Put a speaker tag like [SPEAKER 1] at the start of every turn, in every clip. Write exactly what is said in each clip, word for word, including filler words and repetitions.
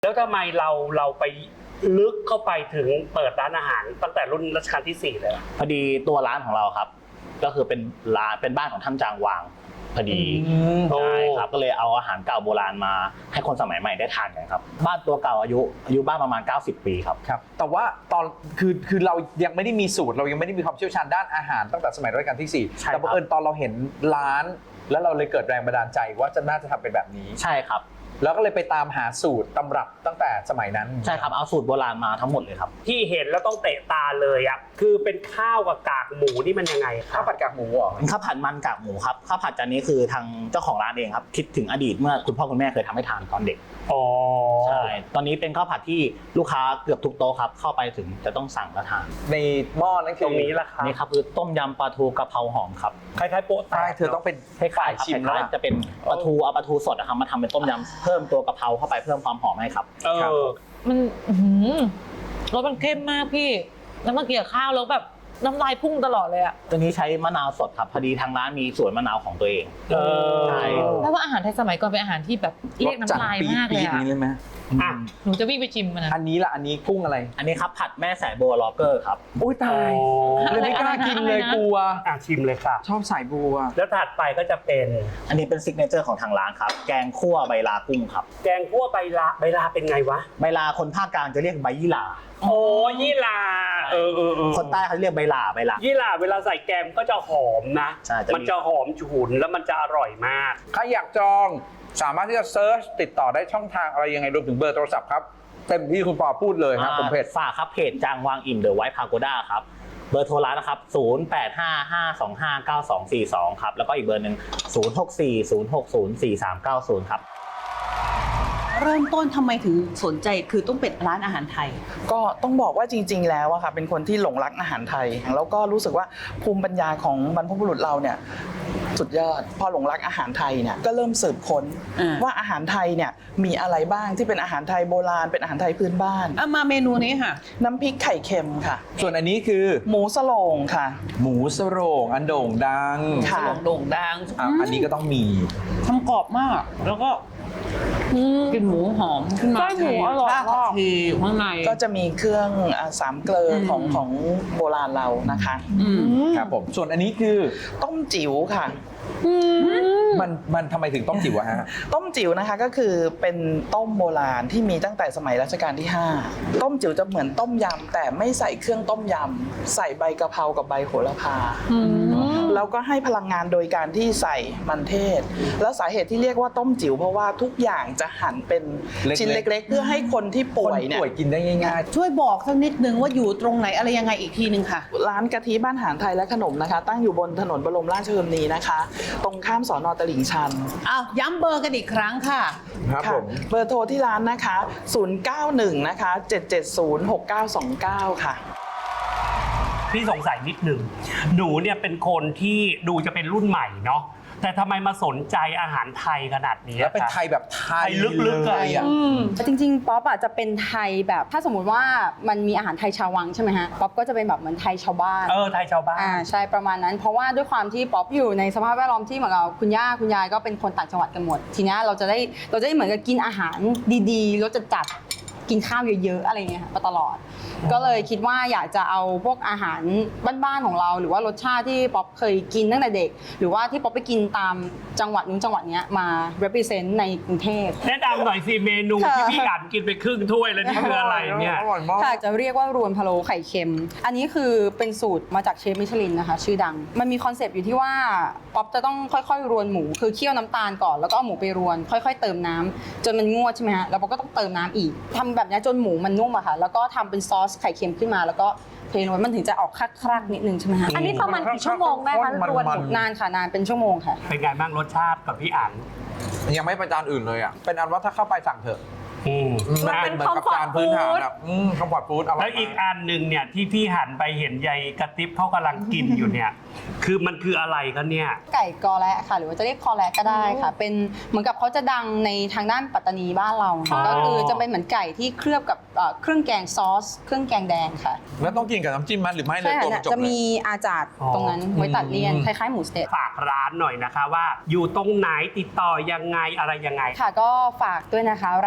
[SPEAKER 1] แล้วทำไมเราเราไปลึกเข้าไปถึงเปิดร้านอาหารตั้งแต่รุ่นรัชกาลที่สี่เลย
[SPEAKER 2] พอดีตัวร้านของเราครับก็คือเป็นร้านเป็นบ้านของท่านจางวางพอดีใช่ครับก็เลยเอาอาหารเก่าโบราณมาให้คนสมัยใหม่ได้ทานกันครับบ้านตัวเก่าอายุอายุบ้านประมาณเก้าสิบปีครับ
[SPEAKER 3] ครับแต่ว่าตอนคือคือเรายังไม่ได้มีสูตรเรายังไม่ได้มีความเชี่ยวชาญด้านอาหารตั้งแต่สมัยรัชกาลที่สี่แต่บังเอิญตอนเราเห็นร้านแล้วเราเลยเกิดแรงบันดาลใจว่าจะน่าจะทำเป็นแบบนี้
[SPEAKER 2] ใช่ครับ
[SPEAKER 3] แล้วก็เลยไปตามหาสูตรตำรับตั้งแต่สมัยนั้น
[SPEAKER 2] ใช่ครับเอาสูตรโบราณมาทั้งหมดเลยครับ
[SPEAKER 1] ที่เห็นแล้วต้องเตะตาเลยอ่ะคือเป็นข้าวกับกากหมูนี่มันยังไงครับ
[SPEAKER 3] ข้าวผัดกากหมูเหรอ
[SPEAKER 2] เป็นข้าวผัดมันกากหมูครับข้าวผัดจานนี้คือทางเจ้าของร้านเองครับคิดถึงอดีตเมื่อคุณพ่อคุณแม่เคยทำให้ทานตอนเด็ก
[SPEAKER 1] อ๋อ
[SPEAKER 2] ใช่ตอนนี้เป็นข้าวผัดที่ลูกค้าเกือบทุกโต๊ะครับเข้าไปถึงจะต้องสั่งและทาน
[SPEAKER 3] ในหม้อนั่นคือ
[SPEAKER 1] ตรงนี้แหละครับ
[SPEAKER 2] นี่ครับคือต้มยำปลาทูกะเพราหอมครับ
[SPEAKER 1] คล้ายๆโป๊ะ
[SPEAKER 3] ใช่เธอต้องเป็น
[SPEAKER 2] คล้ายๆชิมแล้วจะเป็นปลาทูเอาปลาทูสดนะครับมาทำเป็นต้มยำเพิ่มตัวกะเพราเข้าไปเพิ่มความหอมให้ครับ
[SPEAKER 1] เออ
[SPEAKER 4] มันรสมันเข้มมากพี่แล้วมาเกี่ยวข้าวแล้วแบบน้ำลายพุ่งตลอดเลยอะ
[SPEAKER 2] ตัวนี้ใช้มะนาวสดครับพอดีทางร้านมีสวนมะนาวของตัวเองใช่
[SPEAKER 4] แล้วว่าอาหารไทยสมัยก่อนเป็นอาหารที่แบบเรียกน้ำลายมากเลยอะ
[SPEAKER 3] อ่ะ
[SPEAKER 4] หนูจะวิ่งไปชิมมันนะ
[SPEAKER 3] อันนี้ล่ะอันนี้กุ้งอะไร
[SPEAKER 2] อันนี้ครับผัดแม่สายบัวล็อกเกอร์ครับ
[SPEAKER 3] อุ้ยตายเลยไม่กล้ากินเลยกลัว
[SPEAKER 1] อ่ะชิมเลยค่ะ
[SPEAKER 3] ชอบสายบัว
[SPEAKER 1] แล้วถัดไปก็จะเป็น
[SPEAKER 2] อันนี้เป็นซิกเนเจอร์ของทางร้านครับแกงคั่วใบลากุ้งครับ
[SPEAKER 1] แกงคั่วใบลาใบลาเป็นไงวะ
[SPEAKER 2] ใบลาคนภาคกลางจะเรียกใบยี่หร่า
[SPEAKER 1] โอ้ยี่หร่าเออเออ
[SPEAKER 2] คนใต้เขาเรียกใบลาใบลา
[SPEAKER 1] ยี่หร่าเวลาใส่แกงก็จะหอมนะมันจะหอมฉุนแล้วมันจะอร่อยมาก
[SPEAKER 3] ใครอยากจองสามารถที่จะเซิร์ชติดต่อได้ช่องทางอะไรยังไงรวมถึงเบอร์โทรศัพท์ครับเต็มที่คุณปอพูดเลยครับผมเพจ
[SPEAKER 2] ฝากครับเพจจางวางอิ่มเดอะไวท์พาโกด้าครับเบอร์โทรร้านนะครับศูนย์ แปด ห้า ห้า สอง ห้า เก้า สอง สี่ สองครับแล้วก็อีกเบอร์หนึ่งศูนย์ หก สี่ ศูนย์ หก ศูนย์ สี่ สาม เก้า ศูนย์ครับ
[SPEAKER 5] เริ่มต้นทำไมถึงสนใจคือต้องเป็นร้านอาหารไทย
[SPEAKER 6] ก็ต้องบอกว่าจริงๆแล้วอะค่ะเป็นคนที่หลงรักอาหารไทยแล้วก็รู้สึกว่าภูมิปัญญาของบรรพบุรุษเราเนี่ยสุดยอดพอหลงรักอาหารไทยเนี่ยก็เริ่มสืบค้นว่าอาหารไทยเนี่ยมีอะไรบ้างที่เป็นอาหารไทยโบราณเป็นอาหารไทยพื้นบ้าน
[SPEAKER 5] เอามาเมนูนี้ค่ะ
[SPEAKER 6] น้ำพริกไข่เค็มค่ะ
[SPEAKER 3] ส่วนอันนี้คือ
[SPEAKER 6] หมูสโลงค่ะ
[SPEAKER 3] หมูสโรงอันโด่งดัง
[SPEAKER 5] สโลงโด่งดัง
[SPEAKER 3] อันนี้ก็ต้องมี
[SPEAKER 5] ทำกรอบมากแล้วก็กินหมูหอมขึ้นมา
[SPEAKER 4] ไส้หมูอร่อยมาก
[SPEAKER 5] ทีข้างใน
[SPEAKER 6] ก็จะมีเครื่องสามเกลือของของโบราณเรานะคะ
[SPEAKER 3] ครับผมส่วนอันนี้คือ
[SPEAKER 6] ต้มจิ๋วค่ะ
[SPEAKER 3] มันมันทำไมถึงต้มจิ๋วฮะ
[SPEAKER 6] ต้มจิ๋วนะคะก็คือเป็นต้มโบราณที่มีตั้งแต่สมัยรัชกาลที่ห้าต้มจิ๋วจะเหมือนต้มยำแต่ไม่ใส่เครื่องต้มยำใส่ใบกะเพรากับใบโหระพาแล้วก็ให้พลังงานโดยการที่ใส่มันเทศแล้วสาเหตุที่เรียกว่าต้มจิ๋วเพราะว่าทุกอย่างจะหั่นเป็นชิ้นเล็กๆเพื่อให้คนที่ป่วยเนี่ย
[SPEAKER 3] ป่วยกินได้ง่าย
[SPEAKER 5] ๆช่วยบอกสักนิดนึงว่าอยู่ตรงไหนอะไรยังไงอีกทีนึงค่ะ
[SPEAKER 6] ร้านกะทิบ้านอาหารไทยและขนมนะคะตั้งอยู่บนถนนบรมราชชนนีนะคะตรงข้ามสน.ตลิ่งชัน
[SPEAKER 5] อ้าวย้ำเบอร์กันอีกครั้งค่ะ
[SPEAKER 3] ครับผม
[SPEAKER 6] เบอร์โทรที่ร้านนะคะศูนย์ เก้า หนึ่งนะคะเจ็ด เจ็ด ศูนย์ หก เก้า สอง เก้าค่ะ
[SPEAKER 1] พี่สงสัยนิดหนึ่งหนูเนี่ยเป็นคนที่ดูจะเป็นรุ่นใหม่เนาะแต่ทำไมมาสนใจอาหารไทยขนาดนี้
[SPEAKER 3] แล้วเป็นไทยแบบไทย
[SPEAKER 1] ลึกๆเลยอ่ะ
[SPEAKER 7] จริงๆป๊อปอ่ะจะเป็นไทยแบบถ้าสมมุติว่ามันมีอาหารไทยชาววังใช่ไหมฮะป๊อปก็จะเป็นแบบเหมือนไทยชาวบ้าน
[SPEAKER 1] เออไทยชาวบ้าน
[SPEAKER 7] อ่าใช่ประมาณนั้นเพราะว่าด้วยความที่ป๊อปอยู่ในสภาพแวดล้อมที่เหมือนกับคุณย่าคุณยายก็เป็นคนต่างจังหวัดกันหมดทีนี้เราจะได้เราจะได้เหมือนกับกินอาหารดีๆรสจัดๆกินข้าวเยอะๆอะไรเงี้ยมาตลอดก็เลยคิดว่าอยากจะเอาพวกอาหารบ้านๆของเราหรือว่ารสชาติที่ป๊อปเคยกินตั้งแต่เด็กหรือว่าที่ป๊อปไปกินตามจังหวัดนู้นจังหวัดนี้มา represent ในกรุงเทพ
[SPEAKER 1] แนะนำหน่อยสิเมนูที่พี่อ่านกินไปครึ่งถ้วยแล้วนี่คืออะไรเนี่ย
[SPEAKER 7] ค่ะจะเรียกว่ารวนพะโล้ไข่เค็มอันนี้คือเป็นสูตรมาจากเชฟมิชลินนะคะชื่อดังมันมีคอนเซปต์อยู่ที่ว่าป๊อปจะต้องค่อยๆรวนหมูคือเคี่ยวน้ำตาลก่อนแล้วก็เอาหมูไปรวนค่อยๆเติมน้ำจนมันงวดใช่ไหมฮะแล้วป๊อปก็ต้องเติมน้ำอีกทำแบบนี้จนหมูมันนุ่มอะค่ะแล้วก็ทำเป็นซอสไข่เค็มขึ้นมาแล้วก็เทลงไปมันถึงจะออกคลักๆนิดนึงใช่ไหมฮะ
[SPEAKER 4] อันนี้ประมาณกี่ชั่วโมงได้คะรวน
[SPEAKER 7] นานค่ะนานเป็นชั่วโมงค่ะ
[SPEAKER 1] เป็นไงบ้างรสชาติกับพี่อ่าน
[SPEAKER 3] ยังไม่ประจานอื่นเลยอ่ะเป็นอันว่าถ้าเข้าไปสั่งเถอะ
[SPEAKER 4] มันเป็นคอมฟอร์ตฟู้ด
[SPEAKER 3] คอมฟอร์ตฟู้ด
[SPEAKER 1] แล้วอีกอันหนึ่งเนี่ยที่พี่หันไปเห็นยายกระติบเขากำลังกินอยู่เนี่ยคือมันคืออะไรกันเนี่ย
[SPEAKER 7] ไก่กอแระค่ะหรือว่าจะเรียกคอแระก็ได้ค่ะเป็นเหมือนกับเขาจะดังในทางด้านปัตตานีบ้านเราก็คือจะเป็นเหมือนไก่ที่เคลือบกับเครื่องแกงซอสเครื่องแกงแดงค่ะ
[SPEAKER 3] แล้วต้องกินกับน้ำจิ้มมั้ยหรือไม่เลยตัวจบ
[SPEAKER 7] จะมีอาจารย์ตรงนั้นไว้ตัดเลี่ยนคล้ายๆหมูสเต็ก
[SPEAKER 1] ฝากร้านหน่อยนะคะว่าอยู่ตรงไหนติดต่อยังไงอะไรยังไง
[SPEAKER 7] ค่ะก็ฝากด้วยนะคะร้านนิวา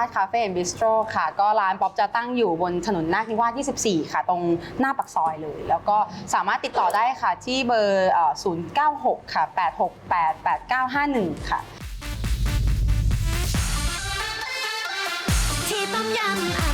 [SPEAKER 7] สคาเฟ่แอนด์บิสโตรค่ะ ก็ร้านป๊อปจะตั้งอยู่บนถนนนาคนิวาสยี่สิบสี่ค่ะตรงหน้าปากซอยเลย แล้วก็สามารถติดต่อได้ค่ะที่เบอร์ศูนย์ เก้า หกค่ะแปด หก แปด แปด เก้า ห้า หนึ่งค่ะ
[SPEAKER 8] ที่ต้มยำ